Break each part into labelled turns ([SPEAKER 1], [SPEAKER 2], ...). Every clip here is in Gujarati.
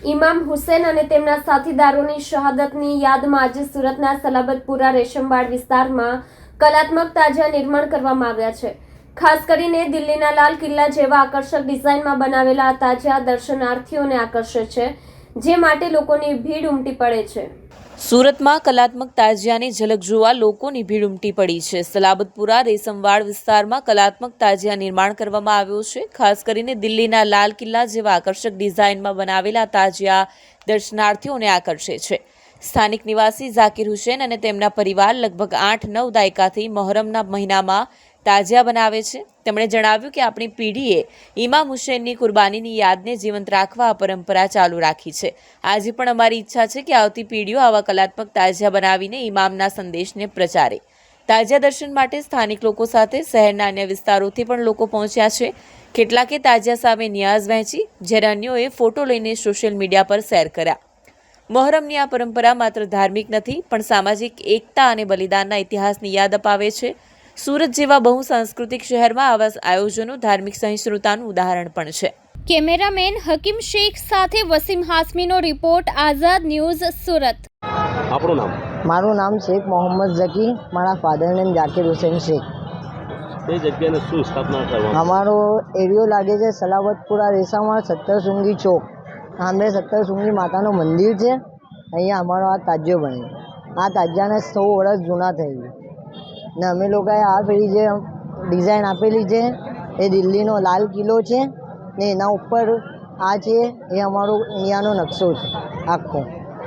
[SPEAKER 1] ઇમામ હુસૈન અને તેમના સાથીદારોની શહાદતની યાદમાં આજે સુરતના સલાબતપુરા રેશમબાગ વિસ્તારમાં કલાત્મક તાજિયા નિર્માણ કરવામાં આવ્યા છે। ખાસ કરીને દિલ્હીના લાલ કિલ્લા જેવા આકર્ષક ડિઝાઇનમાં બનાવેલા આ તાજિયા દર્શનાર્થીઓને આકર્ષે છે, જે માટે લોકોની ભીડ ઉમટી પડે છે।
[SPEAKER 2] સુરતમાં કલાત્મક તાજિયાની ઝલક જોવા લોકોની ભીડ ઉમટી પડી છે। સલાબતપુરા રેશમવાડ વિસ્તારમાં કલાત્મક તાજિયા નિર્માણ કરવામાં આવ્યો છે। ખાસ કરીને દિલ્હીના લાલ કિલ્લા જેવા આકર્ષક ડિઝાઇનમાં બનાવેલા તાજિયા દર્શનાર્થીઓને આકર્ષે છે। સ્થાનિક નિવાસી ઝાકીર હુસૈન અને તેમના પરિવાર લગભગ 8-9 દાયકાથી મોહરમના મહિનામાં તાજિયા બનાવે છે। તેમણે જણાવ્યું કે આપણી પેઢીએ ઇમામ હુસૈનની કુરબાનીની યાદને જીવંત રાખવા આ પરંપરા ચાલુ રાખી છે। આજે પણ અમારી ઈચ્છા છે કે આવતી પેઢીઓ આવા કલાત્મક તાજિયા બનાવીને ઇમામના સંદેશને પ્રચારે। તાજિયા દર્શન માટે સ્થાનિક લોકો સાથે શહેરના અન્ય વિસ્તારોથી પણ લોકો પહોંચ્યા છે। કેટલાકે તાજિયા સામે નિયાઝ વહેંચી, જ્યારે અન્યોએ ફોટો લઈને સોશિયલ મીડિયા પર શેર કર્યા। મોહરમની આ પરંપરા માત્ર ધાર્મિક નથી, પણ સામાજિક એકતા અને બલિદાનના ઇતિહાસની યાદ અપાવે છે। સુરત જેવા બહુ સાંસ્કૃતિક શહેરમાં આવા આયોજનો ધાર્મિક સહિષ્ણુતાનું ઉદાહરણ પણ છે।
[SPEAKER 1] કેમેરામેન હકીમ શેખ સાથે વસીમ હાસમીનો રિપોર્ટ, આઝાદ ન્યૂઝ, સુરત।
[SPEAKER 3] આપણું નામ?
[SPEAKER 4] મારું નામ શેખ મોહમ્મદ ઝકી, મારા ફાધર નેમ ઝાકીર હુસૈન શેખ।
[SPEAKER 3] એ જગ્યાને શું સ્થાપના કરવામાં?
[SPEAKER 4] અમારો એરિયો લાગે છે સલાબતપુરા રેસામાં સત્તરસુંગી ચોક, સામે સત્તરસુંગી માતાનું મંદિર છે। અહીંયા અમારો આ તાજિયો બને છે। આ તાજિયાને 100 વર્ષ જૂના થઈ ગયા ને અમે લોકોએ આ પેલી જે ડિઝાઇન આપેલી છે એ દિલ્હીનો લાલ કિલ્લો છે ને એના ઉપર આ છે એ અમારો ઇન્ડિયાનો નકશો છે આખો।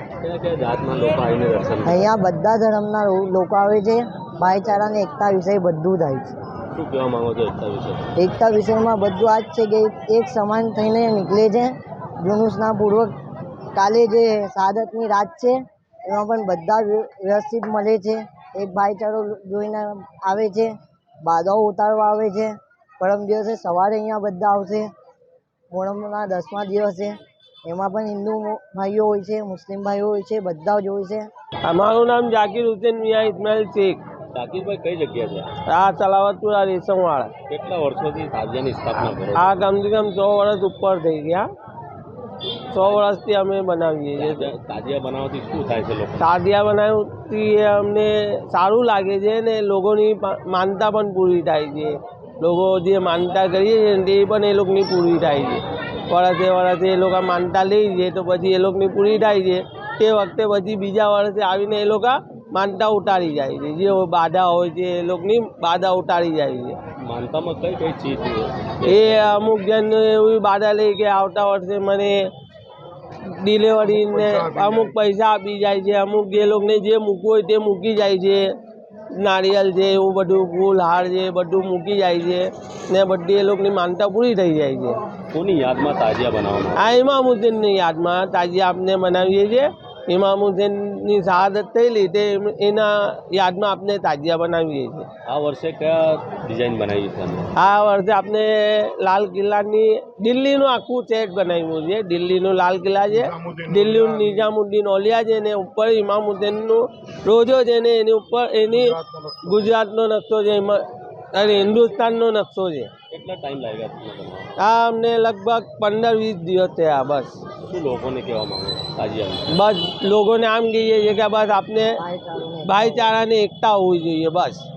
[SPEAKER 4] અહીંયા બધા ધર્મના લોકો આવે છે। ભાઈચારાને એકતા વિષય બધું થાય છે।
[SPEAKER 3] શું કહેવા માંગો છો એકતા વિશે?
[SPEAKER 4] એકતા વિષયમાં બધું આ જ છે કે એક સમાન થઈને નીકળે છે। જુલુસના પૂર્વક કાલે જે શહાદતની રાત છે એમાં પણ બધા વ્યવસ્થિત મળે છે। એક ભાઈચારો જોઈને આવે છે, બાધાઓ ઉતારવા આવે છે। પરમ દિવસે સવારે અહીંયા બધા આવશે। મોહરમના 10મા દિવસે એમાં પણ હિન્દુ ભાઈઓ હોય છે, મુસ્લિમ ભાઈઓ હોય છે, બધા જ હોય છે।
[SPEAKER 5] અમારું નામ ઝાકીર હુસૈન મિયા ઇસ્માઇલ શેખ।
[SPEAKER 3] ઝાકીરભાઈ, કઈ જગ્યા છે
[SPEAKER 5] આ સલાવતપુરા રેશમવાળા।
[SPEAKER 3] કેટલા વર્ષોથી તાજિયાની સ્થાપના કરો?
[SPEAKER 5] આ કમસે કમ 100 વર્ષ ઉપર થઈ ગયા। 100 વર્ષથી અમે બનાવીએ છીએ।
[SPEAKER 3] તાજિયા બનાવવાથી શું થાય છે લોકો?
[SPEAKER 5] તાજિયા બનાવવાથી અમને સારું લાગે છે ને લોકોની માનતા પણ પૂરી થાય છે। લોકો જે માનતા કરીએ છીએ ને તે પણ એ લોકોની પૂરી થાય છે। વર્ષે એ લોકો માનતા લે છે તો પછી એ લોકોની પૂરી થાય છે। તે વખતે પછી બીજા વર્ષે આવીને એ લોકો માનતા ઉતારી જાય છે। જે બાધા હોય છે એ લોકોની બાધા ઉતારી જાય છે।
[SPEAKER 3] માનતામાં કઈ કઈ ચીજ
[SPEAKER 5] એ અમુક જણ એવી બાધા લે કે આવતા વર્ષે મને ડિલિવરીને અમુક પૈસા આપી જાય છે। અમુક જે લોકોને જે મૂકવું હોય તે મૂકી જાય છે। નારિયેલ છે, એવું બધું ફૂલ હાર છે બધું મૂકી જાય છે ને બધી એ લોકોની માનતા પૂરી થઈ જાય છે।
[SPEAKER 3] કોની યાદમાં તાજિયા બનાવવામાં?
[SPEAKER 5] આ ઇમામ હુસૈનની યાદમાં તાજિયા આપણે બનાવીએ છીએ। ઇમામ હુસૈનની શહાદત થયેલી તે એના યાદમાં આપણે તાજિયા બનાવીએ છીએ।
[SPEAKER 3] આ વર્ષે કયા ડિઝાઇન બનાવી છે?
[SPEAKER 5] આ વર્ષે આપણે લાલ કિલ્લાની દિલ્હીનું આખું સેટ બનાવ્યું છે। દિલ્હીનું લાલ કિલ્લા છે, દિલ્હીનું નિઝામુદ્દીન ઓલિયા છે ને ઉપર ઇમામ હુસૈનનું રોજો છે ને એની ઉપર એની ગુજરાતનો નકશો છે, અને હિન્દુસ્તાનનો નકશો છે।
[SPEAKER 3] કેટલા ટાઈમ લાગ્યા તમને બનાવવા?
[SPEAKER 5] આ અમને લગભગ 15-20 દિવસ થયા। બસ
[SPEAKER 3] શું લોકોને કહેવા માંગો તાજિયા?
[SPEAKER 5] બસ લોકોને આમ કહીએ છીએ કે બસ આપણે ભાઈચારાની એકતા હોવી જોઈએ, બસ।